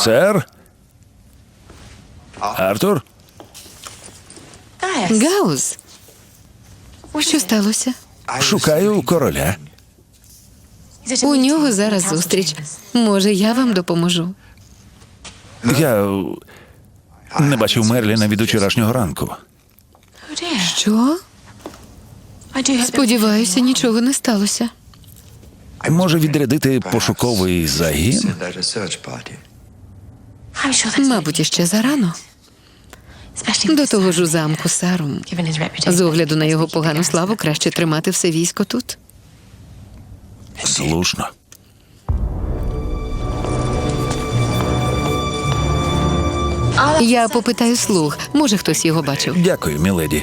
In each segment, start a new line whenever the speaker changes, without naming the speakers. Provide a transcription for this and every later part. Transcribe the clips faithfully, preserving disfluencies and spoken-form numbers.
Сер? Артур?
Гаус, що сталося?
Шукаю короля.
У нього зараз зустріч. Може, я вам допоможу?
Я не бачив Мерліна від учорашнього ранку.
Що? Сподіваюся, нічого не сталося.
Може відрядити пошуковий загін?
Мабуть, іще зарано. До того ж у замку Сарум. З огляду на його погану славу краще тримати все військо тут.
Слушно.
Я попитаю слуг. Може, хтось його бачив.
Дякую, міледі.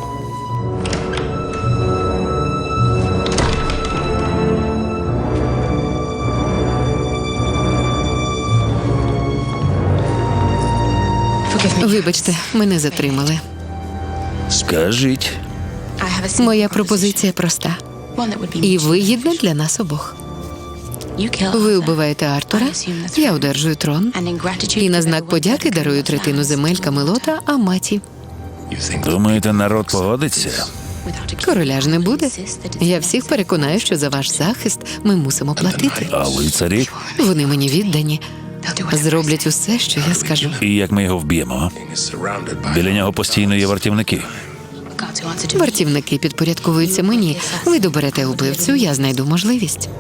Вибачте, мене затримали.
Скажіть.
Моя пропозиція проста і вигідна для нас обох. Ви вбиваєте Артура, я одержую трон, і на знак подяки дарую третину земель Камелота Аматі.
Думаєте, народ погодиться?
Короля ж не буде. Я всіх переконаю, що за ваш захист ми мусимо платити.
А лицарі?
Вони мені віддані. Зроблять усе, що я скажу.
І як ми його вб'ємо? Біля нього постійно є вартівники.
Вартівники підпорядковуються мені. Ви доберете убивцю, я знайду можливість.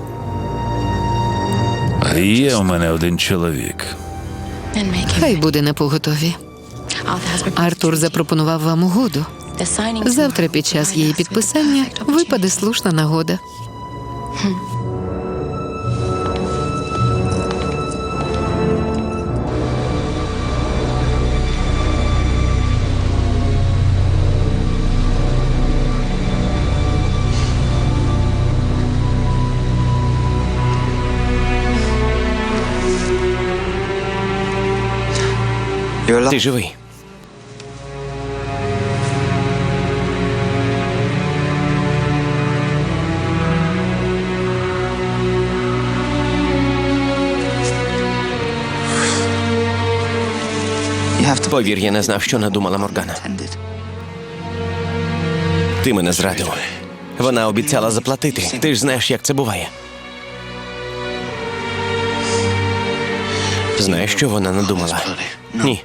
Є у мене один чоловік.
Хай буде на поготові. Артур запропонував вам угоду. Завтра під час її підписання випаде слушна нагода.
Ти живий. Повір, я не знав, що надумала Моргана. Ти мене зрадив. Вона обіцяла заплатити. Ти ж знаєш, як це буває. Знаєш, що вона надумала? Ні.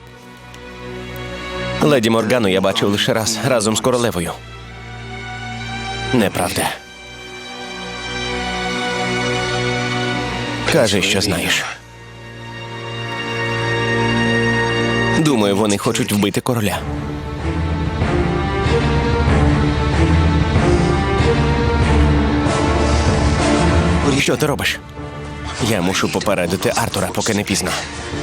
Леді Моргану я бачив лише раз, разом з королевою. Неправда. Кажи, що знаєш. Думаю, вони хочуть вбити короля. Що ти робиш? Я мушу попередити Артура, поки не пізно.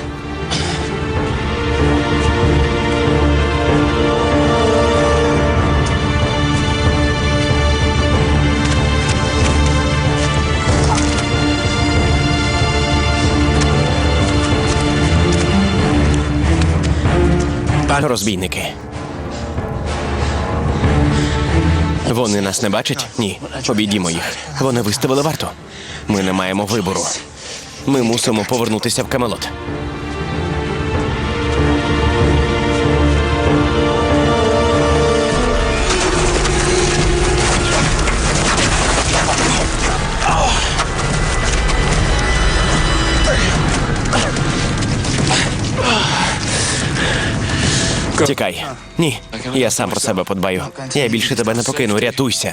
Розбійники. Вони нас не бачать? Ні. Обійдімо їх. Вони виставили варту. Ми не маємо вибору. Ми мусимо повернутися в Камелот. Тікай. Ні, я сам про себе подбаю. Я більше тебе не покину, рятуйся.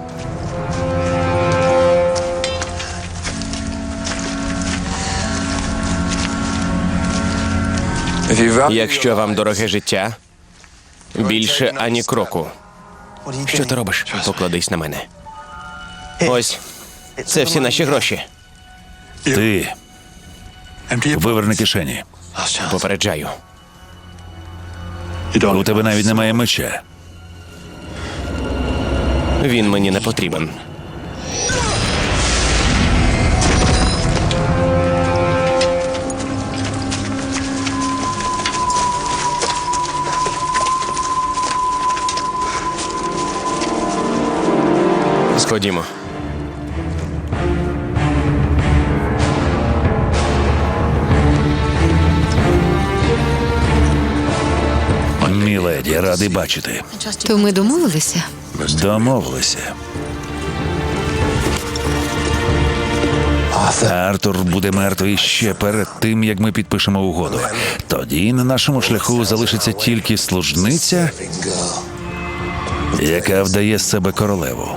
Якщо вам дороге життя, більше ані кроку. Що ти робиш? Покладись на мене. Ось, це всі наші гроші.
Ти виверни кишені.
Попереджаю.
У тебе навіть немає меча.
Він мені не потрібен. Сходімо.
Міледі, радий бачити.
То ми домовилися?
Домовилися. Артур буде мертвий ще перед тим, як ми підпишемо угоду. Тоді на нашому шляху залишиться тільки служниця, яка вдає з себе королеву.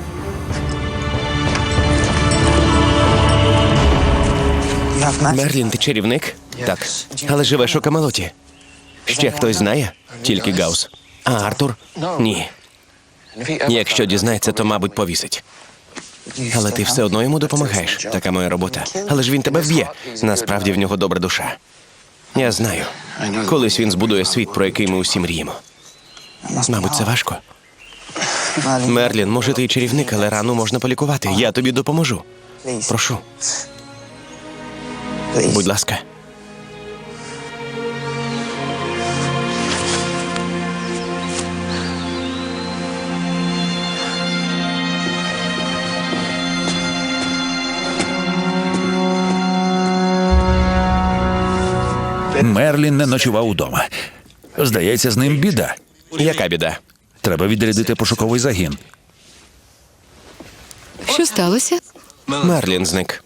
Мерлін, ти чарівник? Так. Але живеш у Камелоті. Ще хтось знає? Тільки Гаус. А Артур? Ні. Якщо дізнається, то, мабуть, повісить. Але ти все одно йому допомагаєш. Така моя робота. Але ж він тебе вб'є. Насправді в нього добра душа. Я знаю. Колись він збудує світ, про який ми усі мріємо. Мабуть, це важко. Мерлін, може, ти і чарівник, але рану можна полікувати. Я тобі допоможу. Прошу. Будь ласка.
Мерлін не ночував удома. Здається, з ним біда.
Яка біда?
Треба відрядити пошуковий загін.
Що сталося?
Мерлін зник.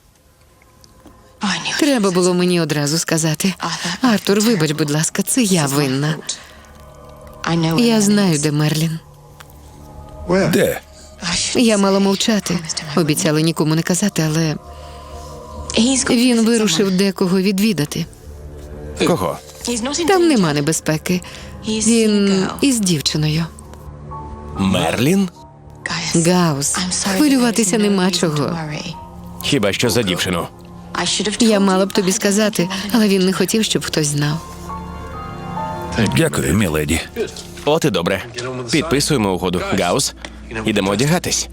Треба було мені одразу сказати. Артур, вибач, будь ласка, це я винна. Я знаю, де Мерлін.
Де?
Я мала мовчати. Обіцяла нікому не казати, але він вирушив декого відвідати.
Кого?
Там нема небезпеки. Він із дівчиною.
Мерлін?
Гаус, хвилюватися нема чого.
Хіба що за дівчину?
Я мала б тобі сказати, але він не хотів, щоб хтось знав.
Дякую, міледі.
От і добре. Підписуємо угоду. Гаус, ідемо одягатись.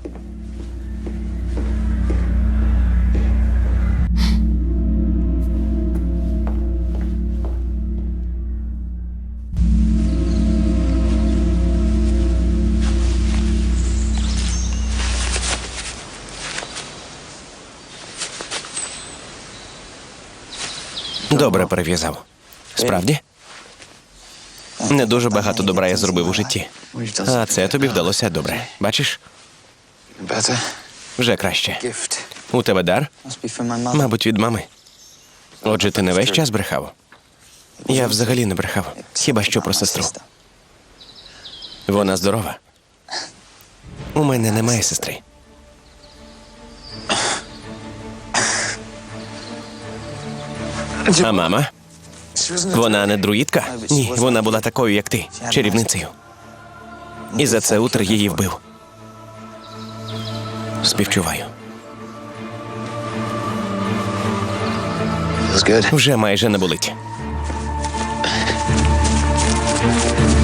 Добре перев'язав. Справді? Не дуже багато добра я зробив у житті. А це тобі вдалося добре. Бачиш? Вже краще. У тебе дар? Мабуть, від мами. Отже, ти не весь час брехав? Я взагалі не брехав. Хіба що про сестру. Вона здорова. У мене немає сестри. А мама? Вона не друїдка? Ні, вона була такою, як ти, чарівницею. І за це Утер її вбив. Співчуваю. Вже майже не болить.